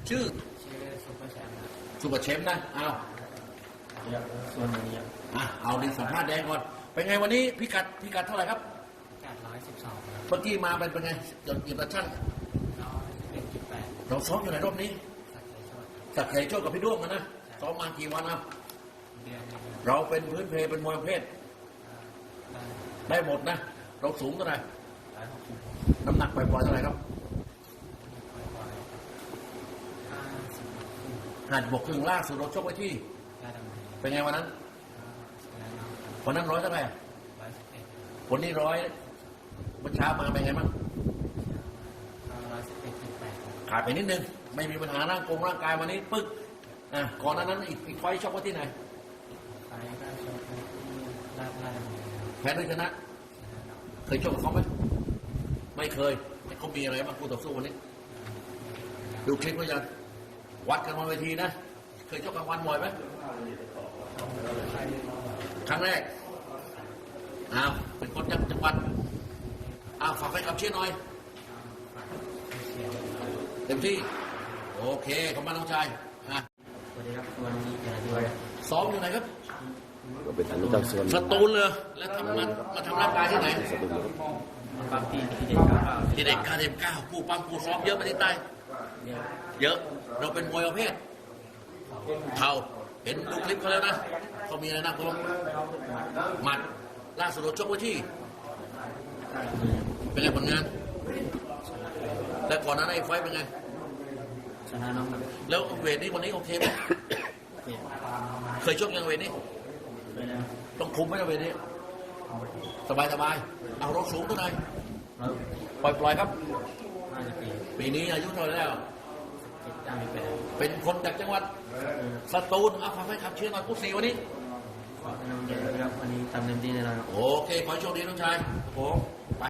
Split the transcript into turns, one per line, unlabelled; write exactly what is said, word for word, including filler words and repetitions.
ชื่อ
ชื่อซุปเปอร์แชมป์ครับ
สุปเปอร์เชฟนะเอา
เยอะส่วนนี้ครับ
อ่ะเอาดิสัมภาษณ์แดงก่อนเป็นไงวันนี้พิกัดพิกัดเท่าไหร่ครับ
แปดร้อยสิบสองครับ
เมื่อกี้มาเป็นเป็นไงจดหยิบตะช่าง
ร้อยเป็นจุดแปด
เราซ้อมอยู่ไหนรอบนี้
สักใจชด
สักไข่โชคกับพี่ด้วงกันนะซ้อมมากี่วันครับ
เดือนหนึงครับ
เราเป็นพื้นเพเป็นมวยประเภท
ได้
ได้หมดนะ เราสูงเท่าไหร่
ร้อยหกสิบ
น้ำหนักปล่อยๆเท่าไหร่ครับ
บ่อยๆห้าสิบ
หันบกครึ่งล่าสุดเราชกไว้ที่
ได้ดำเนิน
เป็นไงวันนั้น
ชนะน้องครับ
วันนั้นร้อยเท่าไหร่
ร้อยสิบเอ็ด
วันนี้ร้อยวันเช้ามาเป็นไงบ้าง
ร้อยสิบเอ็ดจุดแปดครับ
ขาดไปนิดนึง ไม่มีปัญหาร่างกงร่างกายวันนี้ปึ๊กอ่ะก่อนหน้านั้นอีกอีกไฟต์ชกไว้ที่ไหน
ไฟล์ก็ชกที่ลาดลาดดำเนินครับ
แพ้หรือชนะ
ชนะน้อง
เคยชกกับเขาไหมไม่เคยแต่เขามีอะไรบ้างคู่ต่อสู้วันนี้ ดูคลิปก็จะวัดกันบนเวทีนะ เคยชกกลางวันบ่อยไหมครั้งแรกอ้าวเป็นคนจากจังหวัดอ้าวฝากให้กับเชียร์หน่อย
เชียร์
เต็มที่ โอเคขอบคุณน้องชายอ่ะ
สวัสดีครับวันนี้เจอด้วย
ซ้อมอยู่ไหนครับ
ก็เป็นฐานเจ้าส่วน
สตูลเลยแล้วทำมามาทำร่างกายที่ไหน
สตูล
บางทีที่เด็กก็
ที่เด็กคาเดมเก้าผู้ปั้มผู้ซ้อมเยอะไปที่ใต้
เยอะ
เยอะ เราเป็นมวยประเภทเข่าเห็นดูคลิปเขาแล้วนะเขามีอะไรน่ากลัวหมัดล่าสุดเราชกไว้ที่ เป็นไงผลงาน แล้วก่อนหน้านั้นไอ้ไฟท์เป็นไง
ชนะน้องแบบ
แล้วเวทนี้วันนี้โอเคไหม
เจ็บ
เคยชกยังเวทนี้
ไปแล้ว
ต้องคุมไหมนะเวทนี้ สบายสบายเอารถสูงเท่าไหร่
แล้ว
ปล่อยปล่อยครับ
ห้าสิบปี
ปีนี้อายุเท่าไหร่แล้ว
เจ็บได้ไป
เป็นคนจากจังหวัดสตูลเอาฟังให้ขับเชียร์หน่อยผู้สี่วันนี้
ขอให้น้องเจอครับวันนี้ทำเต็มที่แน่นอนครับ
โอเค ขอให้โชคดีน้องชายครับผมไป